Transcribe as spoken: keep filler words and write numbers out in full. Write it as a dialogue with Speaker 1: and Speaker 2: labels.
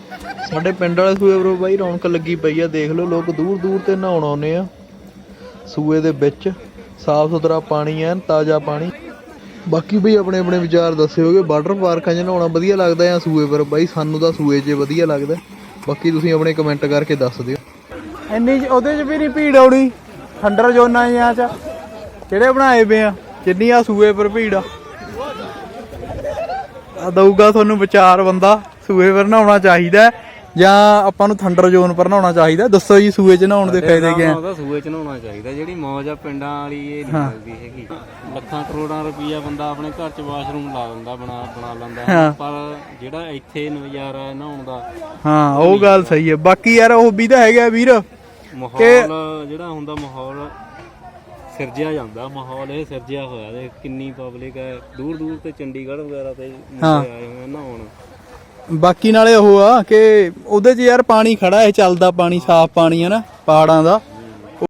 Speaker 1: ਸਾਡੇ ਪਿੰਡ ਵਾਲੇ ਸੂਏ ਬਰੋ ਬਾਈ ਰੌਣਕ ਲੱਗੀ ਪਈ ਆ। ਦੇਖ ਲਓ ਲੋਕ ਦੂਰ ਦੂਰ ਤੇ ਨਹਾਉਣ ਆਉਂਦੇ ਆ ਸੂਏ ਦੇ ਵਿੱਚ। ਸਾਫ ਸੁਥਰਾ ਪਾਣੀ ਐ, ਤਾਜ਼ਾ ਪਾਣੀ। ਬਾਕੀ ਬਈ ਆਪਣੇ ਆਪਣੇ ਵਿਚਾਰ ਦੱਸਿਓਗੇ ਵਾਟਰ ਪਾਰਕਾਂ 'ਚ ਨਹਾਉਣਾ ਵਧੀਆ ਲੱਗਦਾ ਜਾਂ ਸੂਏ ਪਰ। ਬਾਈ ਸਾਨੂੰ ਤਾਂ ਸੂਏ 'ਚ ਵਧੀਆ ਲੱਗਦਾ। ਬਾਕੀ ਤੁਸੀਂ ਆਪਣੇ ਕਮੈਂਟ ਕਰਕੇ ਦੱਸ ਦਿਓ। ਇੰਨੀ ਉਹਦੇ 'ਚ ਵੀ ਨਹੀਂ ਭੀੜ ਆਉਣੀ ਠੰਡਰ ਜ਼ੋਨਾਂ ਜਿਹਾਂ 'ਚ ਜਿਹੜੇ ਬਣਾਏ ਪਏ ਆ, ਜਿੰਨੀ ਆ ਸੂਏ ਪਰ ਭੀੜ ਆ। ਦਊਗਾ ਤੁਹਾਨੂੰ ਵਿਚਾਰ ਬੰਦਾ ਸੂਏ ਪਰ ਨਹਾਉਣਾ ਚਾਹੀਦਾ ਜਾਂ ਆਪਾਂ ਨੂੰ ਥੰਡਰ ਜ਼ੋਨ ਪਰ ਨਹਾਉਣਾ ਚਾਹੀਦਾ। ਦੱਸੋ ਜੀ ਸੂਏ 'ਚ ਨਹਾਉਣ ਦੇ ਫਾਇਦੇ ਕੀ ਆ?
Speaker 2: ਸੂਏ 'ਚ ਨਹਾਉਣਾ ਚਾਹੀਦਾ। ਜਿਹੜੀ ਮੌਜ ਆ ਪਿੰਡਾਂ ਵਾਲੀ ਇਹ ਨਹੀਂ ਮਿਲਦੀ ਹੈਗੀ। ਲੱਖਾਂ ਕਰੋੜਾਂ ਰੁਪਈਆ ਬੰਦਾ ਆਪਣੇ ਘਰ 'ਚ ਵਾਸ਼ਰੂਮ ਲਾ ਦਿੰਦਾ, ਬਣਾ ਬਣਾ ਲੈਂਦਾ, ਪਰ ਜਿਹੜਾ ਇੱਥੇ ਨਜ਼ਾਰਾ ਨਹਾਉਣ ਦਾ,
Speaker 1: ਹਾਂ ਉਹ ਗੱਲ ਸਹੀ ਹੈ। ਬਾਕੀ ਯਾਰ ਉਹ ਵੀ ਤਾਂ ਹੈਗਾ ਵੀਰ,
Speaker 2: ਮਾਹੌਲ ਜਿਹੜਾ ਹੁੰਦਾ ਮਾਹੌਲ ਸਿਰਜਿਆ ਜਾਂਦਾ। ਮਾਹੌਲ ਇਹ ਸਿਰਜਿਆ ਹੋਇਆ ਤੇ ਕਿੰਨੀ ਪਬਲਿਕ ਹੈ ਦੂਰ ਦੂਰ ਤੇ ਚੰਡੀਗੜ੍ਹ ਵਗੈਰਾ ਤੇ ਮੁੰਡੇ ਆਏ ਹੋਏ ਨਹਾਉਣ।
Speaker 1: ਬਾਕੀ ਨਾਲੇ ਉਹ ਆ ਕਿ ਉਹਦੇ 'ਚ ਯਾਰ ਪਾਣੀ ਖੜਾ ਹੈ, ਚੱਲਦਾ ਪਾਣੀ, ਸਾਫ਼ ਪਾਣੀ ਹੈ ਨਾ ਪਹਾੜਾਂ ਦਾ।